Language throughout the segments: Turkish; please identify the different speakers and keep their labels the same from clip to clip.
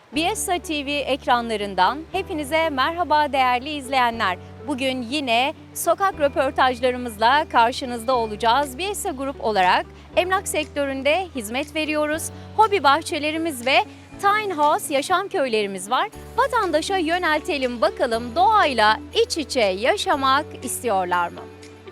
Speaker 1: Biesa TV ekranlarından hepinize merhaba değerli izleyenler. Bugün yine sokak röportajlarımızla karşınızda olacağız. Biesa Grup olarak emlak sektöründe hizmet veriyoruz. Hobi bahçelerimiz ve Tiny House yaşam köylerimiz var. Vatandaşa yöneltelim bakalım doğayla iç içe yaşamak istiyorlar mı?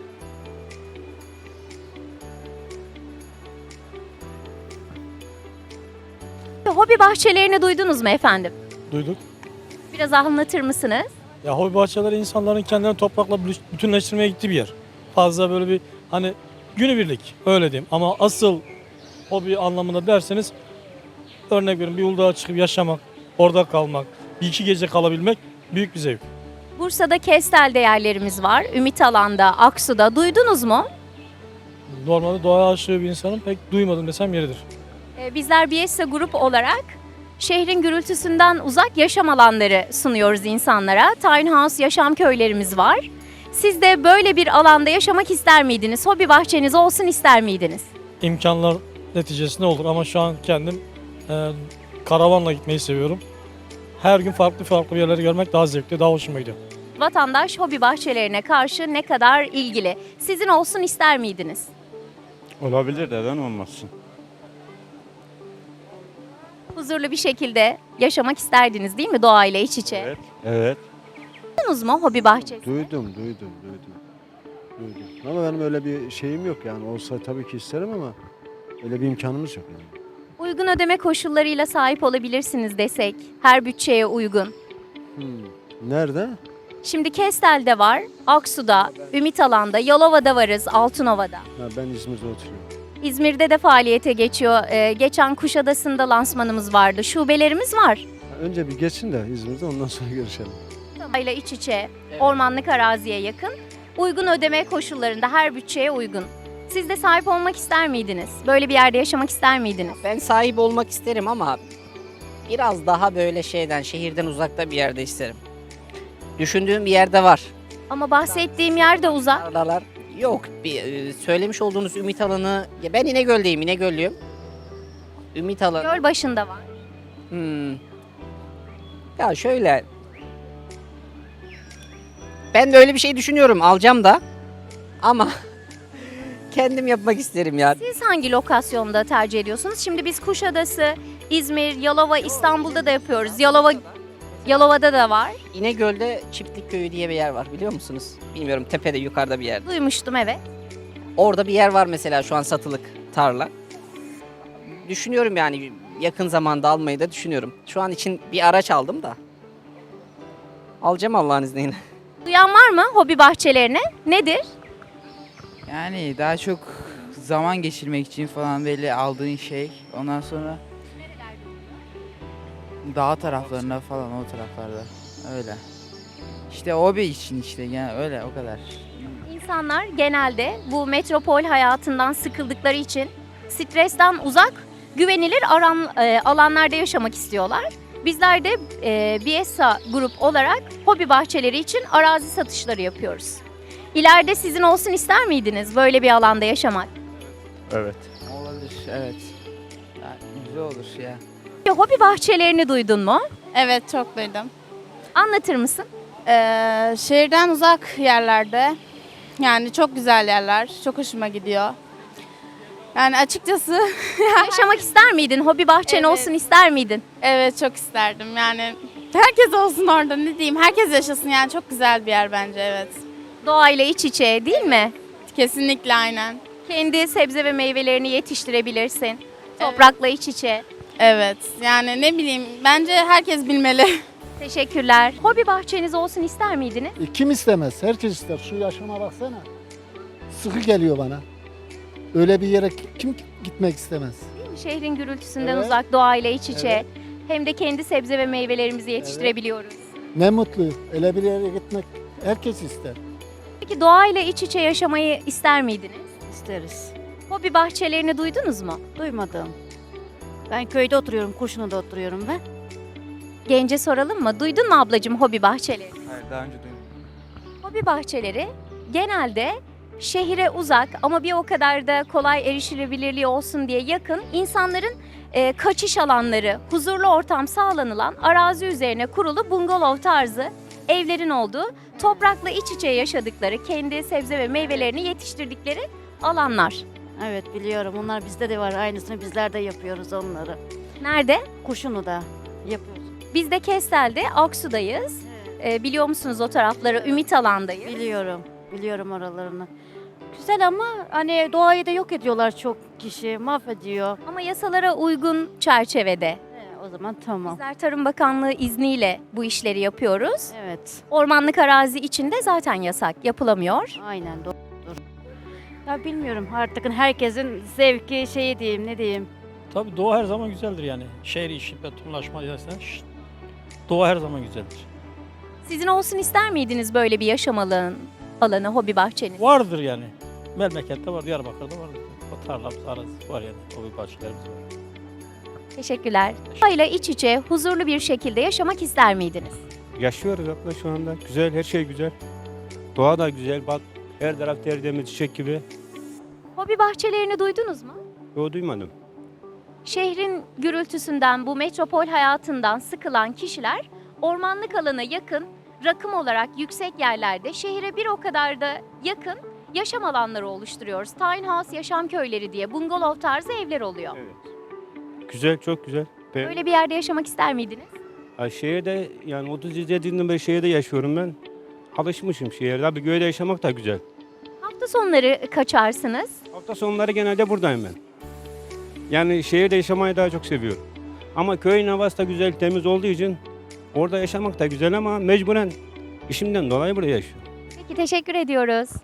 Speaker 1: Hobi bahçelerini duydunuz mu efendim?
Speaker 2: Duyduk.
Speaker 1: Biraz anlatır mısınız?
Speaker 2: Ya hobi bahçeleri insanların kendilerini toprakla bütünleştirmeye gittiği bir yer. Fazla böyle bir hani günübirlik öyle diyeyim. Ama asıl hobi anlamında derseniz örnek verin bir Uludağ'a çıkıp yaşamak, orada kalmak, bir iki gece kalabilmek büyük bir zevk.
Speaker 1: Bursa'da Kestel'de yerlerimiz var. Ümit Alan'da, Aksu'da. Duydunuz mu?
Speaker 2: Normalde doğaya aşığı bir insanın pek duymadım desem yeridir.
Speaker 1: Bizler Biesa Grup olarak şehrin gürültüsünden uzak yaşam alanları sunuyoruz insanlara. Tiny House yaşam köylerimiz var. Siz de böyle bir alanda yaşamak ister miydiniz? Hobi bahçeniz olsun ister miydiniz?
Speaker 2: İmkanlar neticesinde olur ama şu an kendim karavanla gitmeyi seviyorum. Her gün farklı yerleri görmek daha zevkli, daha hoşuma gidiyor.
Speaker 1: Vatandaş hobi bahçelerine karşı ne kadar ilgili? Sizin olsun ister miydiniz?
Speaker 3: Olabilir, neden olmasın?
Speaker 1: Huzurlu bir şekilde yaşamak isterdiniz değil mi doğayla iç içe?
Speaker 3: Evet. Evet.
Speaker 1: Duydunuz mu hobi bahçesi?
Speaker 4: Duydum. Ama benim öyle bir şeyim yok yani. Olsa tabii ki isterim ama öyle bir imkanımız yok yani.
Speaker 1: Uygun ödeme koşullarıyla sahip olabilirsiniz desek, her bütçeye uygun.
Speaker 4: Nerede?
Speaker 1: Şimdi Kestel'de var, Aksu'da, Ümit Alan'da, Yalova'da varız, Altınova'da.
Speaker 4: Ha, ben İzmir'de oturuyorum.
Speaker 1: İzmir'de de faaliyete geçiyor. Geçen Kuşadası'nda lansmanımız vardı. Şubelerimiz var.
Speaker 4: Ha, önce bir geçin de İzmir'de ondan sonra görüşelim.
Speaker 1: Doğayla iç içe, ormanlık araziye yakın. Uygun ödeme koşullarında her bütçeye uygun. Siz de sahip olmak ister miydiniz? Böyle bir yerde yaşamak ister miydiniz?
Speaker 5: Ben sahip olmak isterim ama biraz daha böyle şehirden uzakta bir yerde isterim. Düşündüğüm bir yerde var.
Speaker 1: Ama bahsettiğim yer de uzak.
Speaker 5: Tarlalar yok. Söylemiş olduğunuz Ümit Alanı, ya ben İnegöl'deyim, İnegöllüyüm. Ümit Alanı.
Speaker 1: Göl başında var.
Speaker 5: Ya şöyle. Ben de öyle bir şey düşünüyorum, alacağım da. Ama kendim yapmak isterim ya.
Speaker 1: Siz hangi lokasyonda tercih ediyorsunuz? Şimdi biz Kuşadası, İzmir, Yalova, İstanbul'da da yapıyoruz. Yalova'da da var.
Speaker 5: İnegöl'de Çiftlik Köyü diye bir yer var, biliyor musunuz? Bilmiyorum, tepede yukarıda bir yerde.
Speaker 1: Duymuştum, evet.
Speaker 5: Orada bir yer var mesela şu an satılık tarla. Düşünüyorum yani yakın zamanda almayı da düşünüyorum. Şu an için bir araç aldım da. Alacağım Allah'ın izniyle.
Speaker 1: Duyan var mı hobi bahçelerine? Nedir?
Speaker 6: Yani daha çok zaman geçirmek için falan böyle aldığın şey. Ondan sonra dağ taraflarında falan o taraflarda öyle. İşte hobi için işte yani öyle o kadar.
Speaker 1: İnsanlar genelde bu metropol hayatından sıkıldıkları için stresten uzak, güvenilir alanlarda yaşamak istiyorlar. Bizler de Biesa Grup olarak hobi bahçeleri için arazi satışları yapıyoruz. İleride sizin olsun ister miydiniz böyle bir alanda yaşamak?
Speaker 3: Evet.
Speaker 6: Olabilir evet. Yani güzel olur ya.
Speaker 1: Hobi bahçelerini duydun mu?
Speaker 7: Evet, çok duydum.
Speaker 1: Anlatır mısın?
Speaker 7: Şehirden uzak yerlerde, yani çok güzel yerler, çok hoşuma gidiyor. Yani açıkçası
Speaker 1: Yaşamak ister miydin? Hobi bahçen
Speaker 7: Evet.
Speaker 1: olsun ister miydin?
Speaker 7: evet çok isterdim. Yani herkes olsun orada, ne diyeyim, herkes yaşasın, yani çok güzel bir yer bence, evet.
Speaker 1: Doğayla iç içe değil mi?
Speaker 7: Kesinlikle, aynen.
Speaker 1: Kendi sebze ve meyvelerini yetiştirebilirsin. Toprakla iç içe.
Speaker 7: Evet, yani ne bileyim, bence herkes bilmeli.
Speaker 1: Teşekkürler. Hobi bahçeniz olsun ister miydiniz?
Speaker 8: Kim istemez? Herkes ister. Şu yaşama baksana. Sıkı geliyor bana. Öyle bir yere kim gitmek istemez?
Speaker 1: Değil mi? Şehrin gürültüsünden
Speaker 8: Evet.
Speaker 1: uzak, doğayla iç içe.
Speaker 8: Evet.
Speaker 1: Hem de kendi sebze ve meyvelerimizi yetiştirebiliyoruz.
Speaker 8: Ne mutlu. Öyle bir yere gitmek herkes ister.
Speaker 1: Peki doğayla iç içe yaşamayı ister miydiniz?
Speaker 9: İsteriz.
Speaker 1: Hobi bahçelerini duydunuz mu?
Speaker 9: Duymadım. Ben köyde oturuyorum, Kurşunlu'da oturuyorum ben.
Speaker 1: Gence soralım mı? Duydun mu ablacığım hobi bahçeleri?
Speaker 6: Hayır daha önce duydum.
Speaker 1: Hobi bahçeleri genelde şehire uzak ama bir o kadar da kolay erişilebilirliği olsun diye yakın insanların kaçış alanları, huzurlu ortam sağlanılan arazi üzerine kurulu bungalov tarzı evlerin olduğu, toprakla iç içe yaşadıkları, kendi sebze ve meyvelerini yetiştirdikleri alanlar.
Speaker 9: Evet biliyorum. Onlar bizde de var. Aynısını bizler de yapıyoruz onları.
Speaker 1: Nerede?
Speaker 9: Kuşunu da yapıyoruz.
Speaker 1: Biz de Kestel'de, Aksu'dayız. Biliyor musunuz o tarafları? Ümit Alan'dayız.
Speaker 9: Biliyorum. Biliyorum oralarını. Güzel ama hani doğayı da yok ediyorlar çok kişi. Mahvediyor.
Speaker 1: Ama yasalara uygun çerçevede.
Speaker 9: O zaman tamam.
Speaker 1: Bizler Tarım Bakanlığı izniyle bu işleri yapıyoruz.
Speaker 9: Evet.
Speaker 1: Ormanlık arazi içinde zaten yasak, yapılamıyor.
Speaker 9: Aynen doğrudur. Ya bilmiyorum artık herkesin zevki şeyi diyeyim ne diyeyim.
Speaker 2: Tabii doğa her zaman güzeldir yani. Şehir işi, betonlaşma dersen doğa her zaman güzeldir.
Speaker 1: Sizin olsun ister miydiniz böyle bir yaşam alanı, hobi bahçeniz?
Speaker 2: Vardır yani. Memlekette var, Diyarbakır'da var. O tarlamız, arazisi var yani. Hobi bahçelerimiz var.
Speaker 1: Teşekkürler. Doğayla iç içe, huzurlu bir şekilde yaşamak ister miydiniz?
Speaker 3: Yaşıyoruz abla şu anda. Güzel, her şey güzel. Doğa da güzel. Bak her taraf tertemiz, çiçek gibi.
Speaker 1: Hobi bahçelerini duydunuz mu?
Speaker 3: Yo duymadım.
Speaker 1: Şehrin gürültüsünden, bu metropol hayatından sıkılan kişiler ormanlık alana yakın, rakım olarak yüksek yerlerde şehre bir o kadar da yakın yaşam alanları oluşturuyoruz. Tiny House yaşam köyleri diye bungalov tarzı evler oluyor.
Speaker 3: Evet. Güzel, çok güzel.
Speaker 1: Böyle bir yerde yaşamak ister miydiniz?
Speaker 3: Şehirde yani 37'den beri şehirde yaşıyorum ben. Alışmışım şehirde. Abi köyde yaşamak da güzel.
Speaker 1: Hafta sonları kaçarsınız.
Speaker 3: Hafta sonları genelde buradayım ben. Yani şehirde yaşamayı daha çok seviyorum. Ama köyün havası da güzel, temiz olduğu için orada yaşamak da güzel ama mecburen işimden dolayı burada yaşıyorum.
Speaker 1: Peki teşekkür ediyoruz.